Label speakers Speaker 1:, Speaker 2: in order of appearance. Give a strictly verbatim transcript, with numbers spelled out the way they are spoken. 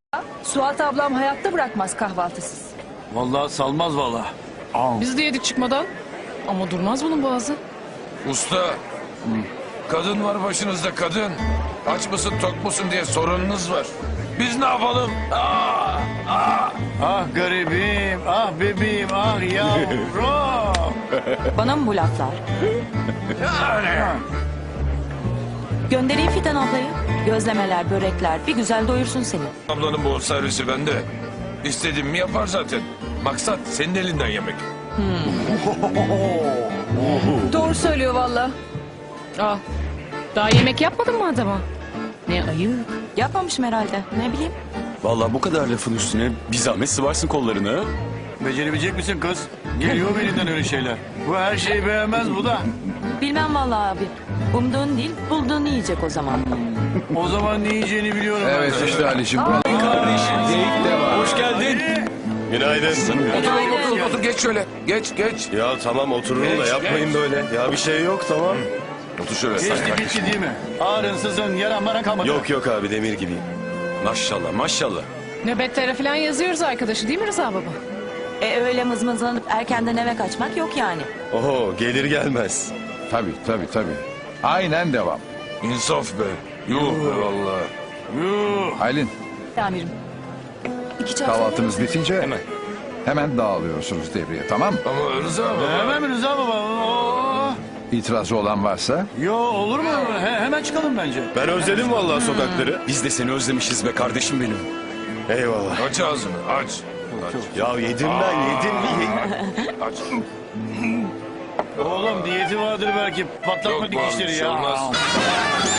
Speaker 1: Suat ablam hayatta bırakmaz kahvaltısız.
Speaker 2: Vallahi salmaz vallahi.
Speaker 3: Biz de yedik çıkmadan. Ama durmaz bunun boğazı.
Speaker 4: Usta, kadın var başınızda kadın. Aç mısın tok musun diye sorununuz var. Biz ne yapalım? Aa, aa.
Speaker 2: Ah garibim, ah bebeğim, ah yavrum.
Speaker 5: Bana mı bu laflar?
Speaker 4: Yani.
Speaker 5: Göndereyim Fidan ablayı. Gözlemeler, börekler bir güzel doyursun seni.
Speaker 4: Ablanın bu servisi bende. İstediğim mi yapar zaten. Maksat senin elinden yemek.
Speaker 1: Doğru söylüyor valla.
Speaker 3: Aa, daha yemek yapmadın mı adama? Ne ayıp.
Speaker 5: Yapmamışım herhalde. Ne bileyim.
Speaker 6: Vallahi bu kadar lafın üstüne bir zahmet sıvarsın kollarını.
Speaker 2: Becerebilecek misin kız? Geliyor elinden öyle şeyler. Bu her şeyi beğenmez bu da.
Speaker 5: Bilmem vallahi abi. Umduğun değil, bulduğunu yiyecek o zaman.
Speaker 2: O zaman ne yiyeceğini biliyorum.
Speaker 7: Evet
Speaker 2: ben.
Speaker 7: işte Ali'cim.
Speaker 6: Hoş geldin.
Speaker 8: Günaydın.
Speaker 4: Otur oğlum, otur otur geç şöyle. Geç geç.
Speaker 8: Ya tamam otururum da yapmayın böyle. Ya bir şey yok tamam.
Speaker 4: Otur şöyle.
Speaker 2: Geçti gitti değil mi? Ağrın sızın yaran bana kalmadı.
Speaker 8: Yok yok abi demir gibiyim.
Speaker 6: Maşallah maşallah.
Speaker 3: Nöbetlere falan yazıyoruz arkadaşı değil mi Rıza baba?
Speaker 5: E öyle mızmızlanıp erkenden eve kaçmak yok yani.
Speaker 8: Oho gelir gelmez.
Speaker 7: Tabii tabii tabii. Aynen devam.
Speaker 4: İnsaf be. Yuh be valla.
Speaker 7: Aylin,
Speaker 5: Amirim. İki çay
Speaker 7: kahvaltınız bitince hemen hemen dağılıyorsunuz devreye, tamam mı?
Speaker 4: Ama Rıza baba.
Speaker 2: Hemen mi Rıza baba? Oo.
Speaker 7: İtirazı olan varsa
Speaker 2: Yo olur mu? He- hemen çıkalım bence.
Speaker 8: Ben özledim vallahi sokakları.
Speaker 6: Biz de seni özlemişiz be kardeşim benim.
Speaker 8: Eyvallah.
Speaker 4: Aç ağzını aç. Aç.
Speaker 8: Ya yedim ben yedim. Ye-
Speaker 4: Aç.
Speaker 2: Oğlum diyeti vardır belki. Patlatma
Speaker 4: Yok, var, bir
Speaker 2: dikişleri
Speaker 4: şey
Speaker 2: ya.
Speaker 4: olmaz.